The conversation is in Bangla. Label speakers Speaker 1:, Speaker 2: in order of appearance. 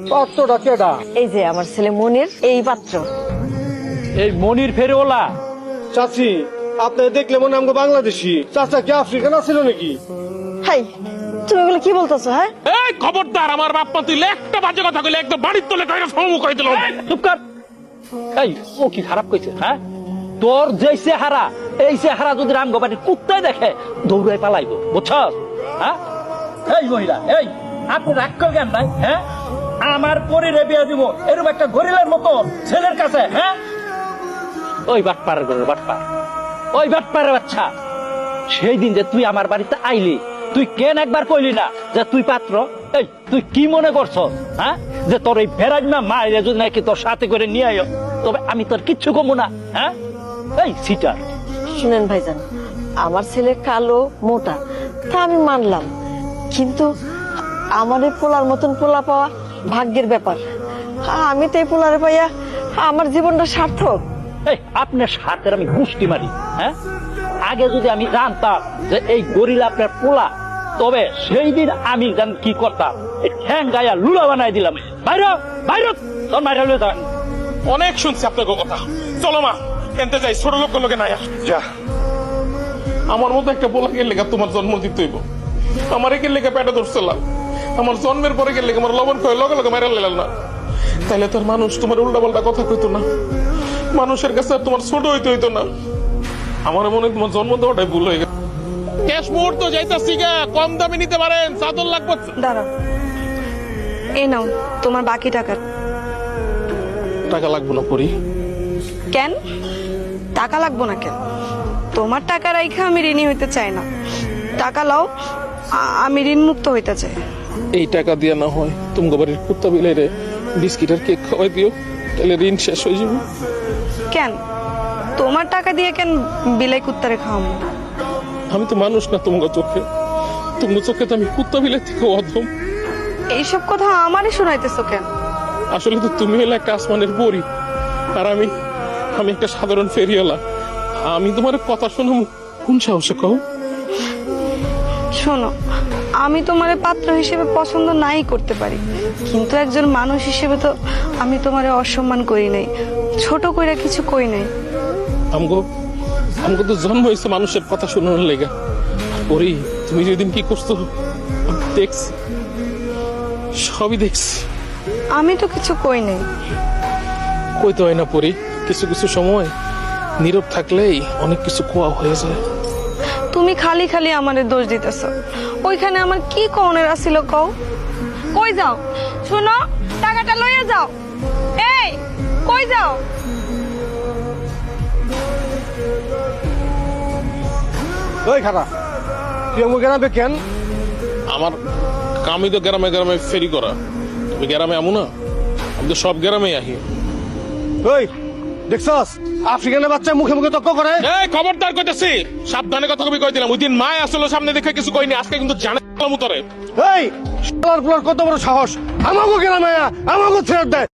Speaker 1: পাত্রটা কেডা?
Speaker 2: এই যে আমার ছেলে মনির, এই পাত্র।
Speaker 3: এই মনির ফেরিওয়ালা?
Speaker 1: চাচি, আপনি দেখলে মনে আমাকে বাংলাদেশি। চাচা কি আফ্রিকান আছিল নাকি?
Speaker 2: হাই, তুমি এগুলো কি বলতেছো? হ্যাঁ,
Speaker 4: এই খবরদার, আমার বাপ মা তুই একটা বাজে কথা কইলে একদম বাড়ির তোলে কইরা সমু কই দিল।
Speaker 3: চুপ কর। এই ও কি খারাপ কইছে? হ্যাঁ, তোর যে চেহারা, এই চেহারা যদি রামগোপাটির কুত্তায় দেখে দৌড়ায় পালাইবো, বুঝছস? হ্যাঁ, এই মহিলা, এই আপনি রাগ করবেন নাই? হ্যাঁ, আমার পরিরে বিয়ে দিব এরকম একটা গরিলার মতো ছেলের কাছে? হ্যাঁ, ওই বাটপার ঘরের বাটপার, ওই বাটপারের বাচ্চা। সেই দিন যে তুই আমার বাড়িতে আইলি, তুই কেন একবার কইলি না যে তুই পাত্র? এই তুই কি মনে করছ? হ্যাঁ, যে তোর এই ভেরাজমা মায়ের যদি নাকি তোর সাথে করে নিয়ে আয়, তবে আমি তোর কিচ্ছু কমু না? হ্যাঁ, এই সিটার।
Speaker 2: শুনেন ভাইজান, আমার ছেলে কালো মোটা, তা আমি মানলাম, কিন্তু আমার এই পোলার মতন পোলা পাওয়া ভাগ্যের ব্যাপার। আমি তো এই পোলারে পাইয়া আমার জীবনটা সার্থক।
Speaker 3: এই আপনার সাথে আমি গুষ্টি মারি। হ্যাঁ, আগে যদি আমি জানতাম যে এই গরিলা আপনার পোলা, তবে সেই দিন আমি কি করতাম, ঠ্যাং গায়া লুলা বানাই দিলাম। বাইরে বাইরে, তোর মাইরা লয়ে যান।
Speaker 4: অনেক শুনছি আপনার কথা। চলো মা, এনতে যাই, ছোট লোক লোকে নাই।
Speaker 1: যা,
Speaker 4: আমার মতো একটা পোলা গেলে তোমার জন্ম দিতে হইব। আমার একে লেগে পেটে ধরছিলাম, আমার জন্মের পরে গেলে আমার লবণ খয়ে লগে লগে মেরা লেলাল না। তাইলে তোর মানুষ তোমার উল্টা পাল্টা কথা কইতো না, মানুষের কাছে আর তোমার ছোট হইতে হইতো না। আমার মনে হয় তোমার জন্ম দেওয়াটাই ভুল হয়ে গেছে। ক্যাশ মুহূর্ত যাইতাছি গা, কম দামে নিতে পারেন, চাদর লাগবে।
Speaker 5: দাঁড়াও, এই নাও তোমার বাকি টাকা।
Speaker 4: টাকা লাগবে না পরি।
Speaker 5: কেন টাকা লাগবো না? কেন? তোমার টাকা রাইখা আমি ঋণী হইতে চাই না। টাকা লাও, আমি ঋণ মুক্ত হইতে চাই।
Speaker 4: এই টাকা দিয়ে না হয় তুমি বাড়ির কুত্তা বিলাইরে বিস্কিট আর কেক খাওয়াই দিও, তাহলে ঋণ শেষ হয়ে যাবে।
Speaker 5: কেন তোমার টাকা দিয়ে কেন বিলাই কুত্তারে খাওয়াবো?
Speaker 4: আমি তো মানুষ না তোমার চোখে, তোমার চোখে তো আমি কুত্তা বিলাই থেকে অধম।
Speaker 5: এইসব কথা আমারই শোনাইতেছো কেন?
Speaker 4: আসলে তো তুমি হলে একটা আসমানের পরী, আর আমি একটা সাধারণ ফেরিওয়ালা। আমি তোমার কথা শুনো কোন সাহসে কও?
Speaker 5: শোনো, আমি তোমার পাত্র হিসেবে পছন্দ নাই করতে পারি, কিন্তু একজন মানুষ হিসেবে তো আমি তোমারে অসম্মান করি নাই, ছোট কইরা কিছু কই নাই।
Speaker 4: আমগো তো জন্ম হয়েছে মানুষের কথা শোনানোর লেগা। পরি, তুমি যেদিন কি করছো দেখছি, সবই দেখছি।
Speaker 5: আমি তো কিছু কই নাই।
Speaker 4: কইতে হয় না পরি, কিছু কিছু সময় নীরব থাকলেই অনেক কিছু কোয়া হয়ে যায়।
Speaker 5: তুমি খালি খালি আমারে দোষ দিতেছ। ওইখানে আমার কি কওনের আছিল কও? কই যাও? শোনো, টাকাটা লইয়া যাও। এই, কই যাও?
Speaker 1: ওই খারা, তুই আমাকে গ্রামে কেন?
Speaker 4: আমার কামই তো গ্রামে গ্রামে ফেরি করা। তুমি গ্রামে আমু না, আমি তো সব গ্রামে আহি।
Speaker 1: ওই দেখছস, আফ্রিকানের বাচ্চা মুখে মুখে তর্ক করে।
Speaker 4: এই খবরদার কইতেছি, সাবধানে কথা কবি কই দিলাম। ওই দিন মায় আসলে সামনে দেখে কিছু কইনি, আজকে কিন্তু জানে মুতরে।
Speaker 1: এই শালার পুলার কত বড় সাহস, আমাকে গ্রামে আমাকে ছেড়ে দেয়।